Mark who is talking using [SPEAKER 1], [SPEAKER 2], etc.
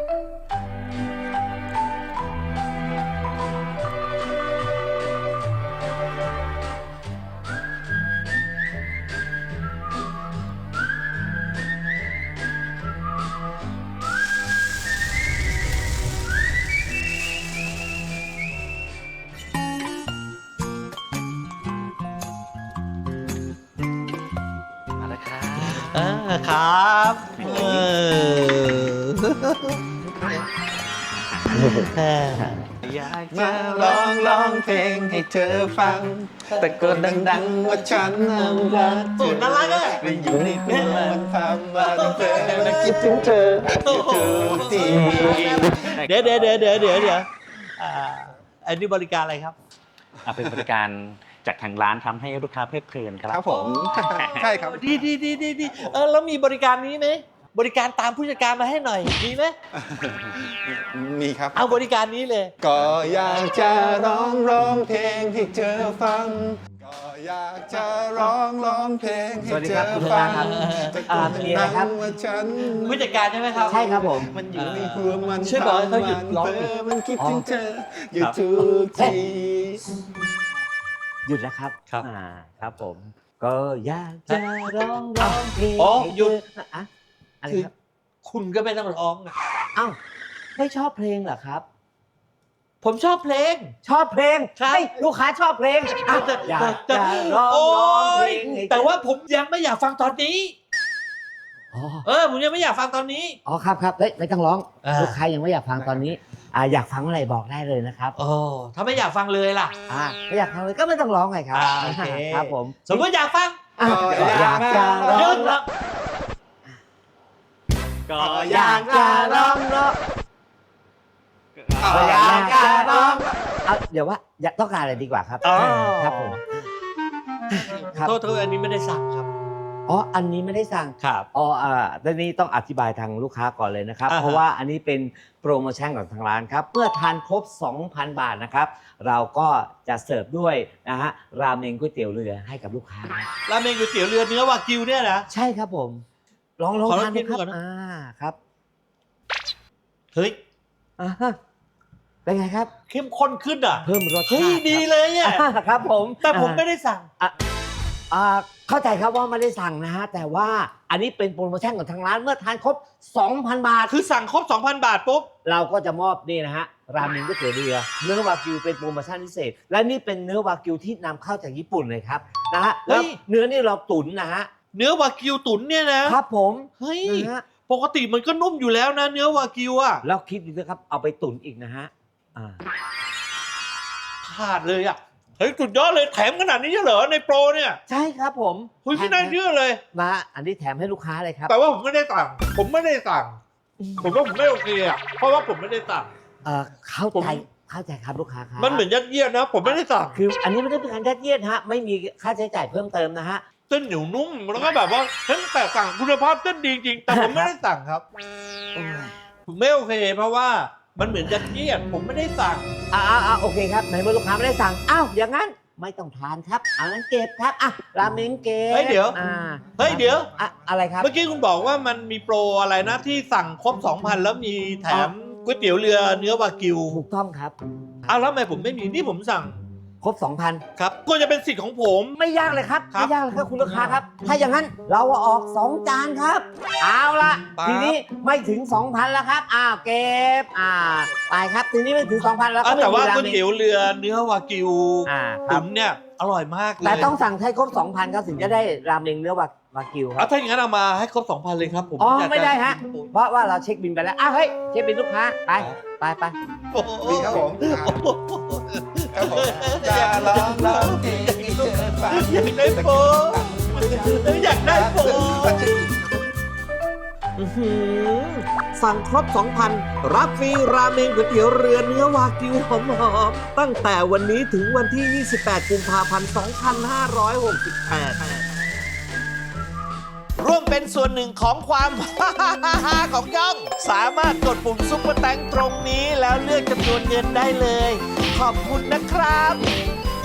[SPEAKER 1] ครับอยากจะร้องเพลงให้เธอฟังตะโกนดังๆว่าฉันรักเธอน่ารักอ่ะไปอยู่ในเรื่องมันทำวันเธอและคิดถึงเธอทุกทีเดี๋ยวอันนี้บริการอะไรครับ
[SPEAKER 2] เป็นบริการจากทางร้านทำให้ลูกค้าเพลิดเพลินครับ
[SPEAKER 1] ครับผมใช่ครับดีแล้วมีบริการนี้ไหมบริการตามผู้จัดการมาให้หน่อยมีไหมมีครับเอาบริการนี้เลยก็อยากจะร้องเพลงให้เธอฟังก็อยากจะร้องเพลงให้เธอฟัง
[SPEAKER 3] มีอะไรครับ
[SPEAKER 1] ผู้จัดการใช่ไหมครับ
[SPEAKER 3] ใช่ครับผม
[SPEAKER 1] มันอยู่ในหัวมันช่วยบอกให้เขาหยุดร้องมันคิดถึงเธออยู่ทุกที
[SPEAKER 3] หยุดแล้วครับครับผมก็อยากจะร้องเพลง
[SPEAKER 1] หยุด
[SPEAKER 3] อะไรครับ
[SPEAKER 1] คุณก็ไม่ต้องร้อง
[SPEAKER 3] อ้าวไม่ชอบเพลงเหรอครับ
[SPEAKER 1] ผมชอบเพลง
[SPEAKER 3] ลูกค้าชอบเพลงอยากจะร้องเพลง
[SPEAKER 1] แต่ว่าผมยังไม่อยากฟังตอนนี้ผมยังไม่อยากฟังตอนนี้
[SPEAKER 3] ครับไม่ต้องร้องลูกค้ายังไม่อยากฟังตอนนี้อยากฟังอะไรบอกได้เลยนะครับ
[SPEAKER 1] ถ้าไม่อยากฟังเลยล่ะ
[SPEAKER 3] ไม่อยากฟังเลยก็ไม่ต้องร้องไงครับ
[SPEAKER 1] โอเค
[SPEAKER 3] ครับผม
[SPEAKER 1] สมมติอยากฟัง
[SPEAKER 3] อยากจะร้อง
[SPEAKER 1] ก็อยากจะร้อง
[SPEAKER 3] เดี๋ยวว่าอยากต้องการอะไรดีกว่าครับครับผม
[SPEAKER 1] โทษอันนี้ไม่ได้สั่งครับ
[SPEAKER 3] อันนี้ไม่ได้สั่ง
[SPEAKER 1] ครับ
[SPEAKER 3] ตอนนี้ต้องอธิบายทางลูกค้าก่อนเลยนะครับเพราะว่าอันนี้เป็นโปรโมชั่นของทางร้านครับเมื่อทานครบ 2,000 บาทนะครับเราก็จะเสิร์ฟด้วยนะฮะราเมงก๋วยเตี๋ยวเรือให้กับลูกค้า
[SPEAKER 1] ราเมงก๋วยเตี๋ยวเรือเนื้อวากิวเนี่ยนะ
[SPEAKER 3] ใช่ครับผมลองทานดูครับครับ
[SPEAKER 1] เฮ้ย
[SPEAKER 3] เป็นไงครับ
[SPEAKER 1] เข้มข้นขึ้น
[SPEAKER 3] เพิ่มรสชาติ
[SPEAKER 1] ดีเลยเนี่ย
[SPEAKER 3] ครับผม
[SPEAKER 1] แต่ผมไม่ได้สั่ง
[SPEAKER 3] เข้าใจครับว่าไม่ได้สั่งนะฮะแต่ว่าอันนี้เป็นโปรโมชั่นของทางร้านเมื่อทานครบ 2,000 บาท
[SPEAKER 1] คือสั่งครบ 2,000 บาทปุ๊บ
[SPEAKER 3] เราก็จะมอบนี่นะฮะราเมงก๋วยเตี๋ยวเรือเนื้อวากิวเป็นโปรโมชั่นพิเศษและนี่เป็นเนื้อวากิวที่นำเข้าจากญี่ปุ่นเลยครับนะฮะแล้วเนื้อนี่เราตุ๋นนะฮะ
[SPEAKER 1] เนื้อวากิวตุ๋นเนี่ยนะครับ
[SPEAKER 3] ผม
[SPEAKER 1] เฮ้ยปกติมันก็นุ่มอยู่แล้วนะเนื้อวากิวอ่ะ
[SPEAKER 3] แล้วคิดดูนะครับเอาไปตุ๋นอีกนะฮะ
[SPEAKER 1] ขาดเลยอ่ะเฮ้ยสุดยอดเลยแถมขนาดนี้เหรอในโปรเนี่ย
[SPEAKER 3] ใช่ครับผม
[SPEAKER 1] ไม่น่าเชื่อเลย
[SPEAKER 3] มาอันนี้แถมให้ลูกค้าเลยครับ
[SPEAKER 1] แต่ว่าผมไม่ได้สั่งผมว่าผมไม่โอเคอ่ะเพราะว่าผมไม่ได้สั่ง
[SPEAKER 3] เข้าใจครับลูกค้าครับ
[SPEAKER 1] มันเหมือนยัดเยียดนะผมไม่ได้สั่ง
[SPEAKER 3] คืออันนี้ไม่ได้เป็นการยัดเยียดฮะไม่มีค่าใช้จ่ายเพิ่มเติมนะฮะ
[SPEAKER 1] เส้นเหนียวนุ่มแล้วก็แบบว่าแต่สั่งคุณภาพเส้นดีจริงแต่ผมไม่ได้สั่งครับผมไม่โอเคเพราะว่ามันเหมือนยัดเยียดผมไม่ได้สั่ง
[SPEAKER 3] โอเคครับในเมื่อลูกค้าไม่ได้สั่งอย่างนั้นไม่ต้องทานครับงั้นเก็บครับราเมงเก็บ
[SPEAKER 1] เดี๋ยว
[SPEAKER 3] อะไรครับ
[SPEAKER 1] เมื่อกี้คุณบอกว่ามันมีโปรอะไรนะที่สั่งครบ 2,000 แล้วมีแถมก๋วยเตี๋ยวเรือเนื้อวากิว
[SPEAKER 3] ถูกต้องครับ
[SPEAKER 1] แล้วทำไมผมไม่มีนี่ผมสั่ง
[SPEAKER 3] ครบ 2,000
[SPEAKER 1] ครับก็จะเป็นสิทธิ์ของผม
[SPEAKER 3] ไม่ยากเลยครับไม่ยากเลยครับคุณลูกค้าครับถ้าอย่างนั้นเราออก2จานครับเอาละทีนี้ไม่ถึง 2,000 แล้วครับเก็บไปครับทีนี้ไม่ถึง 2,000 แล้ว
[SPEAKER 1] แต่ว่าก๋วยเตี๋ยวเรือเนื้อวากิวตุ๋นเนี่ยอร่อยมากเลย
[SPEAKER 3] แต่ต้องสั่งให้ครบ 2,000 ครับถึงจะได้ราเมงเนื้อวากิวครับ
[SPEAKER 1] ถ้าอย่างนั้นเอามาให้ครบ 2,000 เลยครับผม
[SPEAKER 3] ไม่ได้ฮะเพราะว่าเราเช็คบินไปแล้วเฮ้ยเช็คบินลูกค้าไป
[SPEAKER 1] ดีครับผมจะร้องเพลงให้เธอฟังอยากได้โปรสั่งครบ 2,000 รับฟรีราเมงก๋วยเตี๋ยวเรือเนื้อวากิวหอมๆตั้งแต่วันนี้ถึงวันที่ 28 กุมภาพันธ์ 2568 ร่วมเป็นส่วนหนึ่งของความของย่องสามารถกดปุ่มซุปเปอร์แตงตรงนี้แล้วเลือกจำนวนเงินได้เลยขอบคุณนะครับ